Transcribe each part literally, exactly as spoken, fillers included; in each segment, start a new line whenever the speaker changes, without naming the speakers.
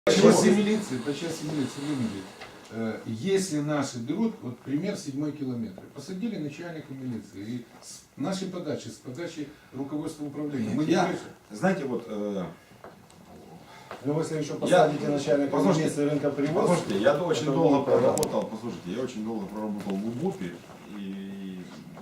По части милиции, по части милиции, Леонид, если наши берут, вот пример седьмой километр, посадили начальника милиции, и с нашей подачи, с подачи руководства управления, мы не
Я,
решим.
знаете, вот... Э,
ну, если еще посадите
я,
начальника милиции рынка привоз...
Послушайте, я очень
это
долго
будет
проработал, послушайте, я очень долго проработал в УБУПе, и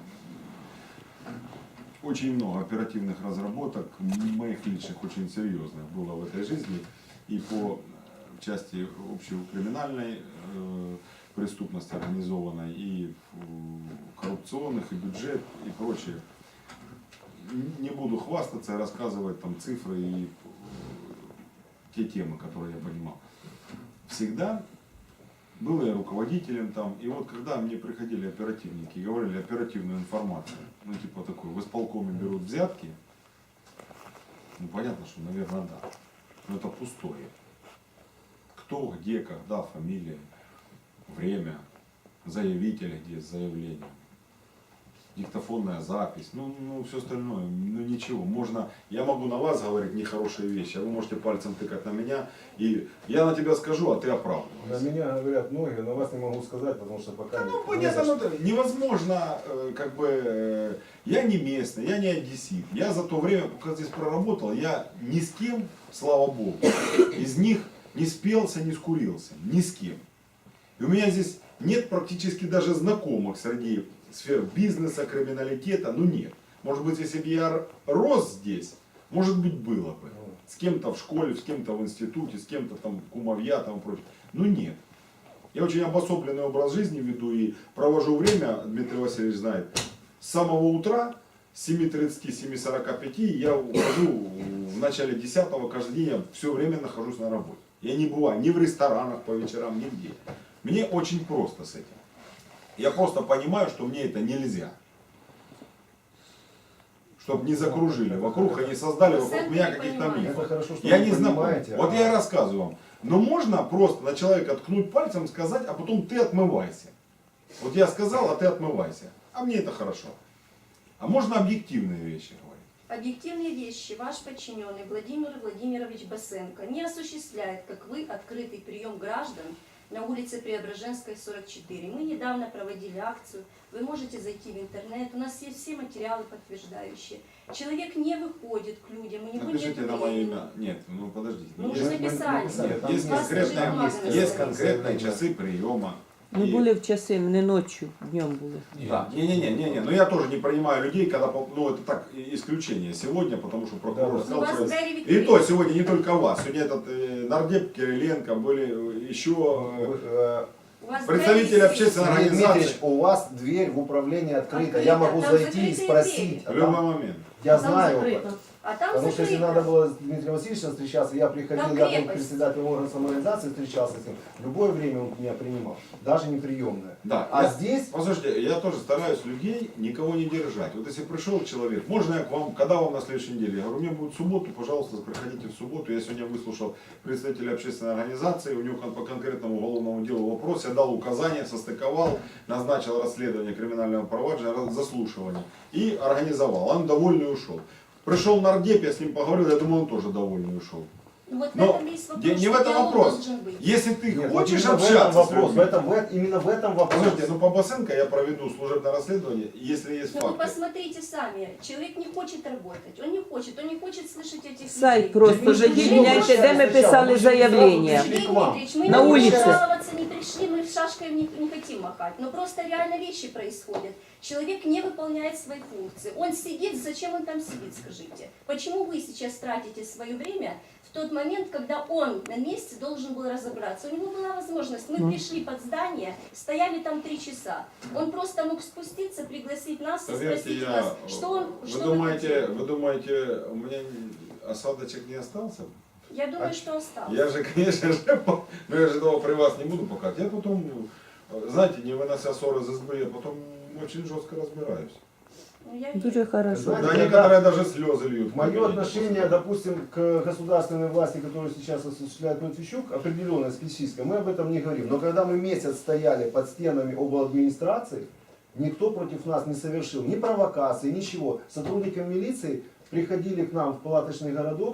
очень много оперативных разработок, моих личных, очень серьезных было в этой жизни, и по части общекриминальной э, преступности организованной, и э, коррупционных, и бюджет, и прочее. Не буду хвастаться и рассказывать там цифры и те темы, которые я понимал. Всегда был я руководителем там, и вот когда мне приходили оперативники и говорили оперативную информацию, ну типа такой, в исполкоме берут взятки, ну понятно, что, наверное, да, но это пустое. Кто, где, когда, фамилия, время, заявителя, где заявление, диктофонная запись, ну, ну все остальное, ну ничего. Можно, я могу на вас говорить нехорошие вещи, а вы можете пальцем тыкать на меня, и я на тебя скажу, а ты оправдываешься.
На меня говорят многие, но вас не могу сказать, потому что пока...
Да,
не,
ну понятно, ну, невозможно, э, как бы, э, я не местный, я не одессит. Я за то время, пока здесь проработал, я ни с кем, слава богу, из них не спелся, не скурился, ни с кем. И у меня здесь нет практически даже знакомых среди сфер бизнеса, криминалитета, ну нет. Может быть, если бы я рос здесь, может быть, было бы. С кем-то в школе, с кем-то в институте, с кем-то там кумовья, там прочее. Ну нет. Я очень обособленный образ жизни веду и провожу время, Дмитрий Васильевич знает, с самого утра, с семи тридцати — семи сорока пяти, я ухожу в начале десятого, каждый день я все время нахожусь на работе. Я не бываю ни в ресторанах по вечерам, нигде. Мне очень просто с этим. Я просто понимаю, что мне это нельзя. Чтобы не закружили вокруг и не создали вокруг меня каких-то мифов.
Хорошо, что
Я
вы
не знаком.
понимаете,
Вот
а...
я и рассказываю вам. Но можно просто на человека ткнуть пальцем, сказать, а потом ты отмывайся. Вот я сказал, а ты отмывайся. А мне это хорошо. А можно объективные вещи говорить.
Объективные вещи ваш подчиненный Владимир Владимирович Басенко не осуществляет, как вы, открытый прием граждан на улице Преображенской, сорок четыре. Мы недавно проводили акцию, вы можете зайти в интернет, у нас есть все материалы подтверждающие. Человек не выходит к людям, у него
Напишите
нет
на мое
времени.
имя. Нет, ну подождите.
Мы
есть,
уже написали.
нет, есть,
Вас
конкретные,
бумага
есть,
написана.
есть конкретные часы приема.
Ми
И-
були в часи, не ночью, днем були.
Да. Не-не-не, не-не, но я тоже не принимаю людей, когда, ну это так, исключение сегодня, потому что прокурор
Да,
сказал,
у вас
что-
двери
и
відкриті.
то сегодня не только вас, сегодня этот э, нардеп Кириленко, были еще
Вы, э,
У вас
представители
двери
общественной
Сергей
организации.
Дмитриевич, у вас дверь в управлении открыта.
Открыта,
Я могу
там
зайти и
закрытые
спросить.
двери.
А
В любой
там-
момент.
я
Там
знаю.
закрыто. А там
Потому что если
закрыто.
надо было с Дмитрием Васильевичем встречаться, я приходил,
Там
я был
крепость.
председателем органа самоорганизации, встречался с ним. В любое время он меня принимал, даже не приемное.
Да.
А
я-
здесь
Послушайте, я тоже стараюсь людей никого не держать. Вот если пришел человек, можно я к вам, когда вам на следующей неделе? Я говорю, у меня будет в субботу, пожалуйста, приходите в субботу. Я сегодня выслушал представителя общественной организации, у него кон- по конкретному уголовному делу вопрос, я дал указания, состыковал, назначил расследование криминального проваджения, раз- заслушивание и организовал. Он довольный ушел. Пришел нардеп, я с ним поговорил, я думаю, он тоже довольный ушел.
Ну, вот в
Но
этом весь вопрос,
не, не
что
в этом
диалог
вопрос.
должен быть.
Если ты
Нет, вот
хочешь
именно в этом
общаться с
вопрос, в
людьми,
этом, в этом- именно в этом вопрос.
Слушайте, ну по Басенко я проведу служебное расследование, если есть
Ну вы
факты.
посмотрите сами, человек не хочет работать, он не хочет, он не хочет слышать этих
Сайт
людей.
просто
Ми
вже
ж
є, міняйте, де ми писали заявлення.
Сергей Дмитриевич, мы
На
не
улице.
жаловаться не пришли, мы шашкой не, не хотим махать, но просто реально вещи происходят. Человек не выполняет свои функции, он сидит, зачем он там сидит, скажите? Почему вы сейчас тратите свое время в тот момент, когда он на месте должен был разобраться? У него была возможность, мы пришли под здание, стояли там три часа, он просто мог спуститься, пригласить нас и
Поверьте,
спросить
я...
нас, что он,
вы,
что
думаете,
хотите.
вы думаете, у меня осадочек не остался?
Я думаю,
А
что осталось.
Я же, конечно же, по- ну я же этого при вас не буду показывать. Я потом, знаете, не вынося ссоры из избы, я потом очень жестко разбираюсь.
Ну, я
Дуже хорошо.
Знаете,
Да,
когда-
некоторые даже слезы льют.
Мое отношение, допустим, к государственной власти, которую сейчас осуществляет Матвейчук, определенное, специфическое, мы об этом не говорим. Но когда мы месяц стояли под стенами обладминистрации, никто против нас не совершил ни провокации, ничего. Сотрудники милиции приходили к нам в палаточный городок,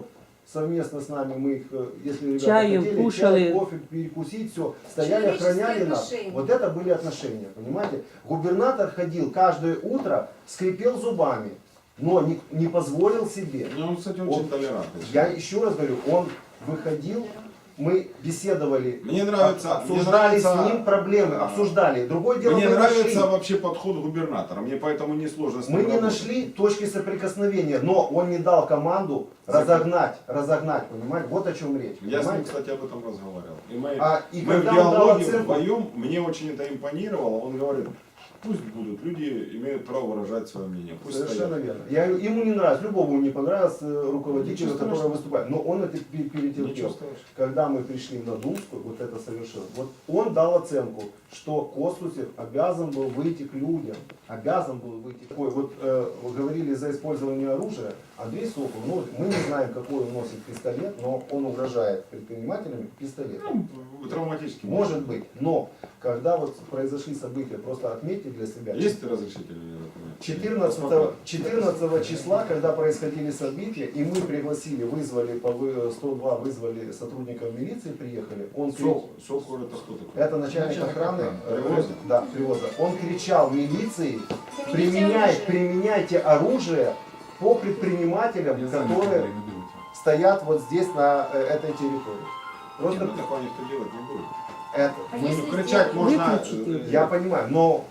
совместно с нами, мы их, э, если ребята
Чаем
хотели,
кушали.
чай, кофе, перекусить, все, стояли,
Человеческие
охраняли нас.
отношения.
Вот это были отношения, понимаете? Губернатор ходил каждое утро, скрипел зубами, но не, не позволил себе.
Ну, он, кстати,
Он-
очень толерантный.
Я еще раз говорю, он выходил, мы беседовали,
Мне нравится,
об-
мне
обсуждали
нравится,
с ним проблемы,
а,
обсуждали. Другое дело,
Мне
мы
нравится
нашли.
вообще подход губернатора, мне поэтому несложно с ним
Мы не
работать.
нашли точки соприкосновения, но он не дал команду разогнать, разогнать, понимаете? Вот о чем речь.
Я с ним,
понимаете?
кстати, об этом разговаривал. И мы,
А, и
мы в
когда он дал
диалоге
оценку,
вдвоем, мне очень это импонировало, он говорит, пусть будут, люди имеют право выражать свое мнение, пусть
совершенно
стоят.
верно. Я, говорю, ему не нравится, любому не понравился э, руководителю,
Ничего
который
страшного.
выступает. Но он это пе-
Ничего
перетерпел.
страшного.
Когда мы пришли на Думскую, вот это совершил. Вот он дал оценку, что Костусев обязан был выйти к людям. Обязан был выйти. Ой, вот э, вы говорили за использование оружия. Андрей Сокол, ну, мы не знаем, какой он носит пистолет, но он угрожает предпринимателям пистолетом.
Ну, травматический.
Может быть. Но когда вот произошли события, просто отметьте для себя.
Есть разрешительный документ?
четырнадцатого, четырнадцатого числа, когда происходили события, и мы пригласили, вызвали, по вы- сто два вызвали сотрудников милиции, приехали, он кричал,
Сок, Сокор это кто такой?
это начальник
Начальник
охраны,
охраны.
э,
Привоза?
да, привоза, он кричал милиции,
Примените
применяй,
оружие.
применяйте оружие по предпринимателям,
Я знаю,
которые
Марина, берите.
стоят вот здесь на э, этой территории. Просто
Нет, ну, такого никто делать не будет.
это.
А
мы-
если
Ну, кричать можно...
Выключите.
э,
Я понимаю, но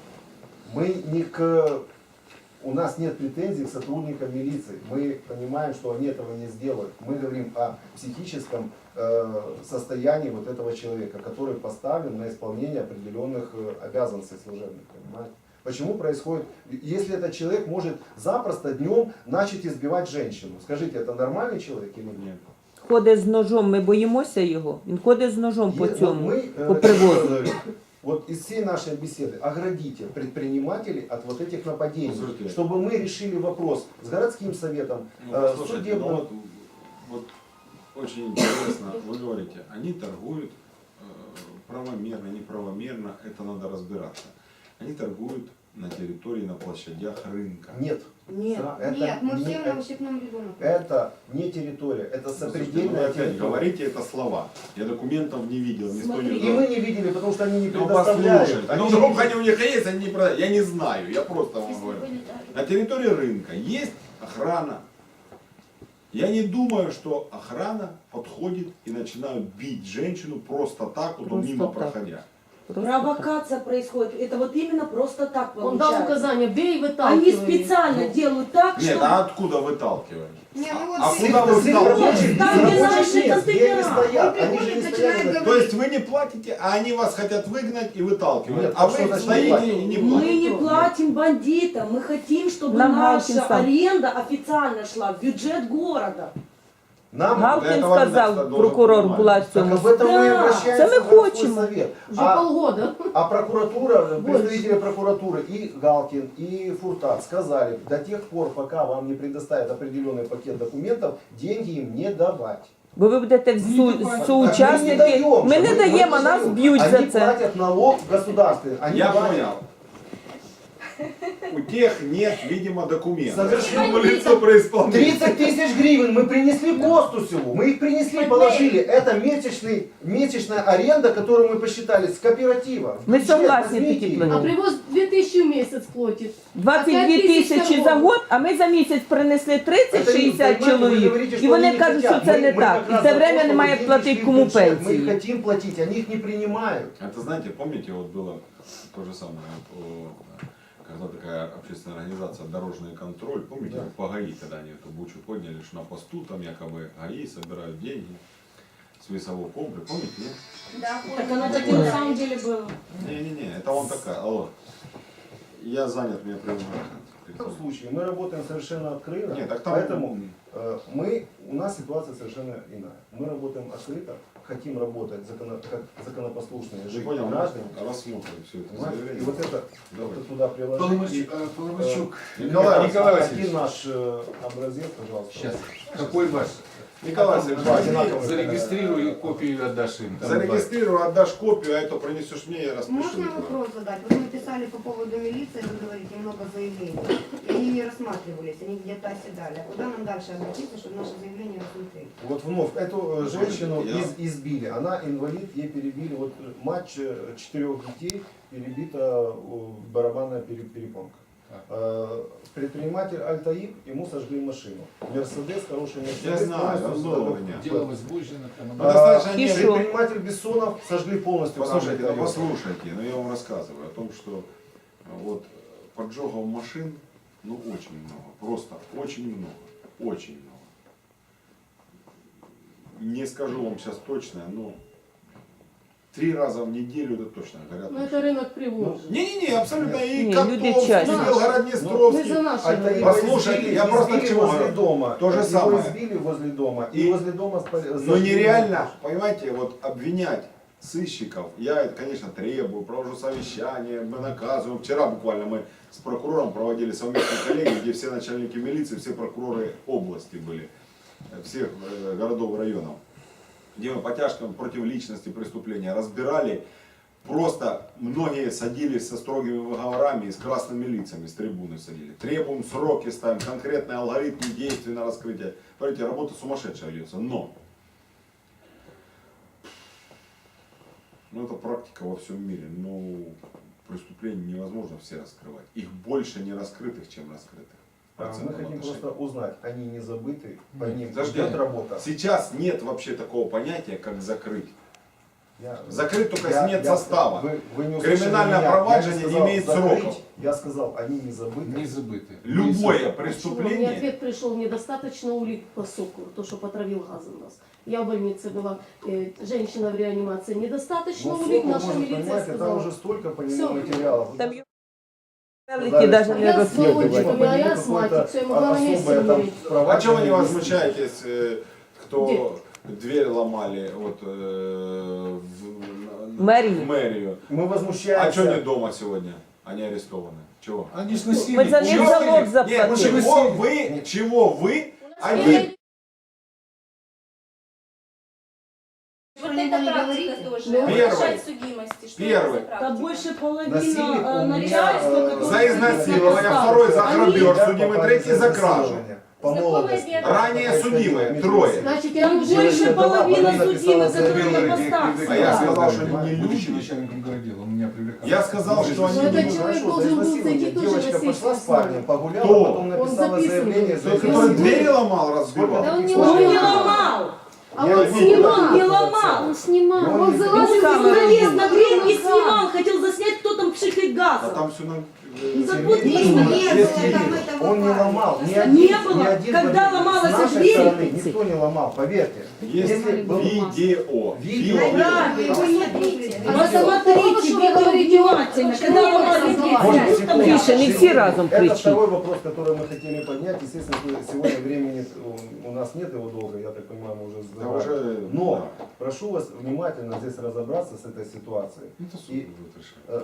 мы не к... У нас нет претензий к сотрудникам милиции. Мы понимаем, что они этого не сделают. Мы говорим о психическом э, состоянии вот этого человека, который поставлен на исполнение определенных э, обязанностей служебных. Понимаете? Почему происходит, если этот человек может запросто днем начать избивать женщину? Скажите, это нормальный человек или нет?
Нет.
Ходить з ножом, ми боїмося його. Він ходить з ножом по
Е- вот
цьому,
мы, э,
по привозу.
говорю, вот из всей нашей беседы оградите предпринимателей от вот этих нападений,
Слушайте.
чтобы мы решили вопрос с городским советом,
Ну,
э,
послушайте,
судебным.
ну вот, вот очень интересно, вы говорите, они торгуют э, правомерно, неправомерно, это надо разбираться. Они торгуют на территории, на площадях рынка.
Нет.
Нет,
Сра- это
нет, мы
не-
все
это-
на ущипном ряду находимся.
Это не территория, это
Слушайте, ну вы
сопредельная
опять
территория.
говорите это слова. Я документов не видел, никто не
И мы не видели, потому что они не
Ну
предоставляют.
послушайте,
Они
ну
же
вдруг
не-
они у них есть, они не продают. Я не знаю, я просто вам
Если
говорю.
были даже.
На территории рынка есть охрана. Я не думаю, что охрана подходит и начинают бить женщину просто так, вот
Просто
мимо
так.
проходя.
Просто
Провокация происходит. Это вот именно просто так
Он дал
получается.
указание, бей и
Они
выталкивай.
специально делают так,
Нет,
что...
а откуда выталкивать?
Не, ну вот
А
здесь-
куда вы
С их
выталкиваете?
рабочих-
Там,
с
где
рабочих
наши
мест, где они
контейнера.
стоят.
Он
Они же не
приходит,
стоят
начинает
на-
То есть вы не платите, а они вас хотят выгнать и выталкивать.
Нет,
а
а что
вы
значит не
стоите
платите?
и не
Мы
платите.
не платим бандитам, мы хотим, чтобы
Нам
наша
Галкин сам.
аренда официально шла в бюджет города.
Нам
Галкін
Для этого
сказав,
должен
прокурор
понимать.
була в
так
цьому.
об этом мы и
Да,
обращаемся
это мы
в городской
хотим.
совет.
Уже
А-
полгода.
А прокуратура, представители прокуратуры и Галкин, и Фуртат сказали, до тех пор, пока вам не предоставят определенный пакет документов, деньги им не давать.
Бо ви будете в су-
давайте.
Так
соучасники.
даем,
Ми не
мы-
даємо, а
не
нас
даем.
б'ють
Они
за це.
платят налог в государстве. Они
Я
платят.
понял. У тех нет, видимо, документов.
Совершенно.
Ему лицо про исполнение.
тридцать тысяч гривен мы принесли Костусеву. Мы их принесли,
Под
положили. Это месячный, месячная аренда, которую мы посчитали с кооператива.
Мы
Бюджет,
согласны,
возьмите
Петя
их.
Платон.
А привоз две тысячи в месяц платит.
двадцять дві
Опять
тисячі
тисяча
за
год.
год, а ми за місяць принесли
Это не-
тридцять-шістдесят
понимаете, вы
чоловік.
говорите,
І
что
вони
они не
кажуть, що
хотят.
це
Мы-
не
мы
так.
как
І
раз
це
за то,
время
чтобы
немає
деньги
платити
шли в
кому
бюджет. Мы их
пенсії.
хотим платить, они их не принимают.
Это, знаете, помните, вот было то же самое, вот, о, когда такая общественная организация «Дорожный контроль», помните,
Да.
вот по ГАИ, когда они эту бучу подняли, что на посту там якобы ГАИ собирают деньги с весового комплекса, помните, нет?
Да,
Так
понял.
оно так и на самом деле было.
Не-не-не, это он такая, алло, я занят, меня прямо...
В этом случае мы работаем совершенно открыто,
Нет, так там...
поэтому э, мы, у нас ситуация совершенно иная. Мы работаем открыто, хотим работать законо, как законопослушные
Я
жители,
понял,
граждане.
рассмотрим все это
Понимаете?
заявление.
И вот это
Давай.
вот туда приложить.
Поломач-
И,
э, Поломачук.
э,
Николай
Николай,
Николай
один
Васильевич.
наш э, образец, пожалуйста.
Сейчас. Какой ваш?
Николай
Да,
Александрович,
одинаково.
Зарегистрируй копию и отдашь им. Там
зарегистрируй, отдашь копию, а это принесешь мне, я распишу.
Можно
Николай.
вопрос задать? Вот вы написали по поводу милиции, вы говорите, много заявлений, и они не рассматривались, они где-то оседали. Куда нам дальше обратиться, чтобы наши заявления рассмотрели?
Вот вновь, эту э, женщину
Я-
из- избили. Она инвалид, ей перебили, вот э, мать э, четырех детей перебита э, барабанная пере- перепонка. Э, Предприниматель Альтаиб, ему сожгли машину. Мерседес, хороший Мерседес.
Я знаю,
полностью
он был у
сожгли.
меня.
делалось Божьина, там
Ну,
она-
достаточно
И
не-
шо?
Предприниматель Бессонов сожгли полностью.
Послушайте,
камеры
ну,
Toyota.
послушайте, ну я вам рассказываю о том, что а, вот поджогов машин, ну очень много, просто очень много, очень много. Не скажу вам сейчас точно, но три раза в неделю это точно горят.
Ну
машины.
это рынок привоза.
Не-не-не, абсолютно и
Не,
Котовский,
люди часто.
и
Мы
Белгород-Днестровский.
за наши
Альтаиба
рынок.
Послушайте,
избили-
я просто
избили
к чему
возле
говорю.
дома.
То же
Его
самое.
избили возле дома. И,
И-
возле дома спали-
Но
зажгли
нереально, понимаете, вот обвинять сыщиков, я это, конечно, требую, провожу совещания, мы наказываем. Вчера буквально мы с прокурором проводили совместную коллегию, где все начальники милиции, все прокуроры области были, э, всех э, городов и районов, где мы по тяжким против личности преступления разбирали. Просто многие садились со строгими выговорами и с красными лицами, с трибуны садили. Требуем сроки, ставим конкретные алгоритмы действий на раскрытие. Смотрите, работа сумасшедшая ведется, но ну, это практика во всем мире. Ну, преступления невозможно все раскрывать. Их больше не раскрытых, чем раскрытых. В
А, Мы
процентном
хотим
отношении.
просто узнать, они не забыты, по
Нет,
ним
подожди.
идет работа.
Сейчас нет вообще такого понятия, как закрыть.
Я-
Закрыть только
я-
если нет
я-
состава.
вы- вы не услышали
Криминальное
меня.
проваджение
Я
не
сказал
имеет
закрыть,
сроков.
Я сказал, они не забыты.
не забыты.
Любое
Почему? Мне
преступление.
ответ пришел, недостаточно улик по сокуру, то, что потравил газом нас. Я в больнице была, э, женщина в реанимации, недостаточно
Ну,
улик,
сокол,
наша
может,
милиция
понимаете, там
сказала.
уже столько по нему
Всё.
материалов.
Там его
Сказали,
велики даже
что-
не
Я с
розслідувати.
баллончиком, а я
Какое-то
астматик, все, ему главное не
особое там
умереть.
А
проваджение
чего вы не
есть.
возмущаетесь, э, кто дверь ломали вот, э, в,
Мэрии.
в мэрию?
Мы
А
возмущаемся.
что они дома сегодня? Они арестованы. Чего?
Они ж носили.
Мы за них
Чего
залог
вы- Нет,
заплатили.
чего вы, чего вы,
Вот
один,
это
не
практика
говорите?
тоже.
Ну,
Повышать судимости. Что
Первый.
это за
Да
практика?
больше половины
Насильник у
э,
меня,
начальства,
э,
которое
за изнасилование,
сидит
второй за
они-
грабеж,
Я
судимый
попали
третий за кражу.
изнасилование. По
Знакомые
молодости.
бедные.
Ранее судимые, трое.
Значит,
Там
они
больше
больше половины
Она
судимых,
написала
которые на
заявление,
постах
А я
сидят.
сказал, что они не
Будучи
люди.
начальником городела, он меня привлекал.
Я сказал, что они
Ну,
не
это
люди.
человек
Хорошо,
должен
за
был
изнасилование.
зайти тоже
Девочка
на
пошла
сессию
с парнем,
основную.
погуляла,
Кто?
потом написала
записывает.
заявление.
Тот,
Тот,
за
который
изнасилование.
двери ломал, разбивал.
Да он не
Сколько
Он не
ломал.
ломал,
А
Я
он
видел,
снимал.
как
не
это
ломал.
Он снимал.
И он
Он
не-
залазил
Он
в
камеру
занавес
на дверь и снимал, хотел заснять, кто там пшикает
А
газом.
там все на...
Ну,
э,
так вот
Сергей
видно,
Иванович,
не было
если
там
видно,
этого
он не
парня.
ломал, ни
Не
один,
было.
ни один
Когда
победитель.
ломалась
С нашей
дверь,
стороны никто не ломал, поверьте.
Есть
Если был-
видео.
Видео.
Да,
Вы его не видите.
А
Видео.
посмотрите,
Что вы
видео
говорите?
внимательно, когда
не
ломали
было
дверь,
согласия.
что там
секунду.
Тише, не все разом
Это
кричи.
второй вопрос, который мы хотели поднять. Естественно, сегодня времени у нас нет его долго, я так понимаю, мы уже
Да
забрали.
уже...
Но прошу вас внимательно здесь разобраться с этой ситуацией.
да. Это суд
И-
будет решать.